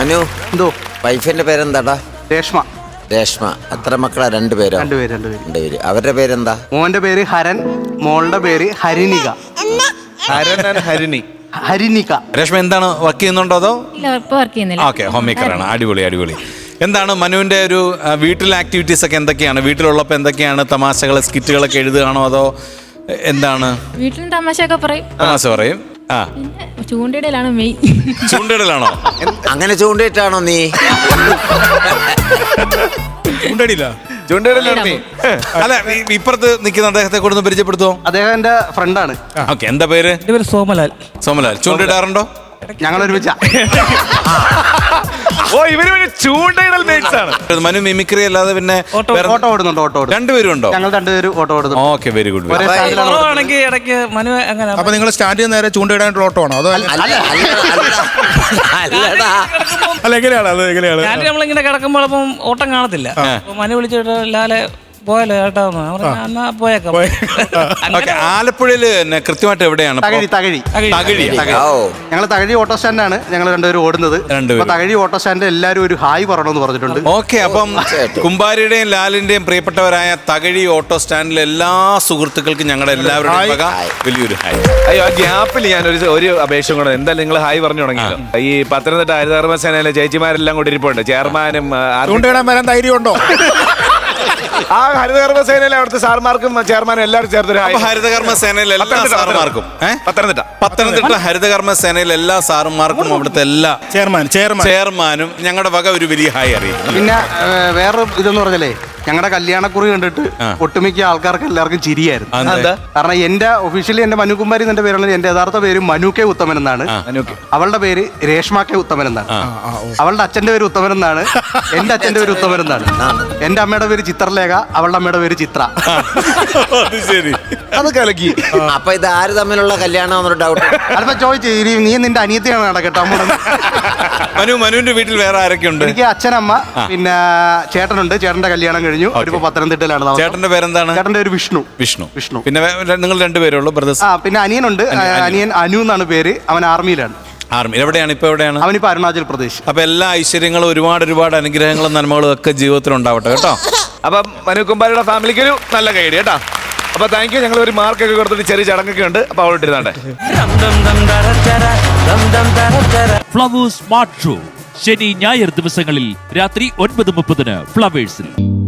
മനു, എന്തോ വൈഫിന്റെ പേരെന്താടാ? രേഷ്മ. രേഷ്മ. എത്ര മക്കളാ? രണ്ടുപേരോ? രണ്ടുപേര്. അവരുടെ പേരെന്താ? മോന്റെ പേര് ഹരൻ, മോളുടെ പേര് ഹരിനിക. ഹരിനിക. രേഷ്മ എന്താണ് വർക്ക് ചെയ്യുന്നുണ്ടോ അതോ? വർക്ക് ചെയ്യുന്നില്ല. ഓക്കെ, ഹോം മേക്കറാണ്. അടിപൊളി. എന്താണ് മനുവിന്റെ ഒരു വീട്ടിലെ ആക്ടിവിറ്റീസ് ഒക്കെ എന്തൊക്കെയാണ്? വീട്ടിലുള്ളപ്പോൾ എന്തൊക്കെയാണ്? തമാശകൾ, സ്കിറ്റുകളൊക്കെ എഴുതുകയാണോ അതോ എന്താണ്? വീട്ടിലും തമാശയൊക്കെ പറയും. തമാശ പറയും. ആ, ചൂണ്ടയിടലാണ് മെയിൻ. ചൂണ്ടയിടലാണോ? അങ്ങനെ ചൂണ്ടയിട്ടാണോ നീ? ചൂണ്ടയിടലാണ്. അല്ല, ഇപ്പുറത്ത് നിൽക്കുന്ന അദ്ദേഹത്തെ കൊടുത്ത് പരിചയപ്പെടുത്തുമോ? അദ്ദേഹം എന്റെ ഫ്രണ്ടാണ്. ഓക്കെ, എന്താ പേര്? സോമലാൽ. ചൂണ്ടയിടാറുണ്ടോ? ഞങ്ങൾ ഒരുമിച്ച. ചൂണ്ടയിടൽ ആണ്. മനു മിമിക്രി അല്ലാതെ പിന്നെ ഓട്ടോ ഓടുന്നുണ്ട്. രണ്ടുപേരും ഉണ്ടോ? ഞങ്ങൾ രണ്ടുപേരും ഓട്ടോ ഓടുന്നു. Okay, very good. ഇടയ്ക്ക് മനു അങ്ങനെ. അപ്പൊ നിങ്ങൾ സ്റ്റാൻഡിൽ നേരെ ചൂണ്ടയിടാനുള്ള ഓട്ടോ ആണോ അതോ? അല്ലടാ. അല്ല, എങ്ങനെയാണ് അത്? എങ്ങനെയാണ്? നമ്മളിങ്ങനെ കിടക്കുമ്പോൾ അപ്പം ഓട്ടം കാണത്തില്ല. മനു വിളിച്ചിട്ട് ലാലെ പോയല്ലോ ചേട്ടാ, എന്നാ പോയേക്കാം. ആലപ്പുഴയില് കൃത്യമായിട്ട് എവിടെയാണ്? ഞങ്ങൾ തകഴി ഓട്ടോ സ്റ്റാൻഡാണ് ഞങ്ങൾ രണ്ടുപേരും ഓടുന്നത്. തകഴി ഓട്ടോ സ്റ്റാൻഡിൽ എല്ലാവരും ഒരു ഹായ് പറയണമെന്ന് പറഞ്ഞിട്ടുണ്ട്. ഓക്കെ, അപ്പം കുമ്പാരിയുടെയും ലാലിന്റെയും പ്രിയപ്പെട്ടവരായ തകഴി ഓട്ടോ സ്റ്റാൻഡിലെ എല്ലാ സുഹൃത്തുക്കൾക്കും ഞങ്ങളുടെ എല്ലാവരുടെയും വലിയൊരു ഹായ്. അയ്യോ, ആ ഗ്യാപ്പിൽ ഞാൻ ഒരു അപേക്ഷ കൂടെ. എന്തായാലും നിങ്ങൾ ഹായ് പറഞ്ഞു തുടങ്ങിയല്ലോ. ഈ പത്തനംതിട്ട ഹരിതകർമ്മസേനയിലെ ചേച്ചിമാരെല്ലാം കൂടി ഇരിപ്പുണ്ട്. ചെയർമാനും ചൂണ്ടയിടാൻ വരാൻ ധൈര്യമുണ്ടോ? ആ ഹരിതകർമ്മസേനയിലെ അവിടുത്തെ സാർമാർക്കും ചെയർമാനും എല്ലാവരും ചേർത്തൊരു ഹരിതകർമ്മ സേനയിലെ എല്ലാ സാറുമാർക്കും, പത്തനംതിട്ട ഹരിതകർമ്മ സേനയിലെ എല്ലാ സാറുമാർക്കും അവിടുത്തെ എല്ലാ ചെയർമാനും ഞങ്ങളുടെ വക ഒരു വലിയ ഹായ് അറിയിക്കും. പിന്നെ വേറെ ഇതെന്ന് പറഞ്ഞല്ലേ, ഞങ്ങളുടെ കല്യാണക്കുറി കണ്ടിട്ട് ഒട്ടുമിക്ക ആൾക്കാർക്ക് എല്ലാവർക്കും ചിരിയായിരുന്നു. കാരണം എന്റെ ഒഫീഷ്യലി എന്റെ മനു കുമാരി എന്റെ പേരുള്ളത്, എന്റെ യഥാർത്ഥ പേര് മനു കെ ഉത്തമൻ എന്നാണ്. അവളുടെ പേര് രേഷ്മ കെ ഉത്തമൻ എന്നാണ്. അവളുടെ അച്ഛന്റെ പേര് ഉത്തമൻ എന്നാണ്. എന്റെ അച്ഛന്റെ പേര് ഉത്തമൻ എന്നാണ്. എന്റെ അമ്മയുടെ പേര് ചിത്രലേഖ, അവളുടെ അമ്മയുടെ പേര് ചിത്ര. അത് കലക്കി. അപ്പൊ ഇത് ആര് തമ്മിലുള്ള കല്യാണം ഡൗട്ട്? അതിപ്പോ ചോദിച്ചു, നീ നിന്റെ അനിയത്തിയാണ് നടക്കട്ടെ. മനുവിന്റെ വീട്ടിൽ വേറെ ആരൊക്കെ ഉണ്ട്? എനിക്ക് അച്ഛനമ്മ, പിന്നെ ചേട്ടനുണ്ട്. ചേട്ടന്റെ കല്യാണം കഴിഞ്ഞു. അവരിപ്പോ പത്തനംതിട്ടയിലാണ്. ചേട്ടന്റെ പേരെന്താണ്? ചേട്ടന്റെ പേര് വിഷ്ണു. പിന്നെ നിങ്ങൾ രണ്ടുപേരുള്ളൂ ബ്രദേഴ്സ്? പിന്നെ അനിയനുണ്ട്. അനിയൻ അനു എന്നാണ് പേര്. അവൻ ആർമിയിലാണ്. എവിടെയാണ്? ഇപ്പൊ എവിടെയാണ്? അവനിപ്പോ അരുണാചൽ പ്രദേശ്. അപ്പൊ എല്ലാ ഐശ്വര്യങ്ങളും ഒരുപാട് അനുഗ്രഹങ്ങളും നന്മകളും ഒക്കെ ജീവിതത്തിൽ ഉണ്ടാവട്ടെ കേട്ടോ. അപ്പം മനു കുമ്പാരിയുടെ ഫാമിലിക്ക് ഒരു നല്ല കൈഡി കേട്ടോ. അപ്പൊ താങ്ക് യു. ഞങ്ങൾ ഒരു മാർക്കൊക്കെ കൊടുത്തിട്ട് ചെറിയ ചടങ്ങൊക്കെ ഉണ്ട്. അപ്പൊ അവളിട്ടിരുന്നാട്ടെ. ഫ്ലവേഴ്സ് സ്മാർട്ട് ഷോ ശനി ഞായർ ദിവസങ്ങളിൽ രാത്രി 9:30 ഫ്ലവേഴ്സിൽ.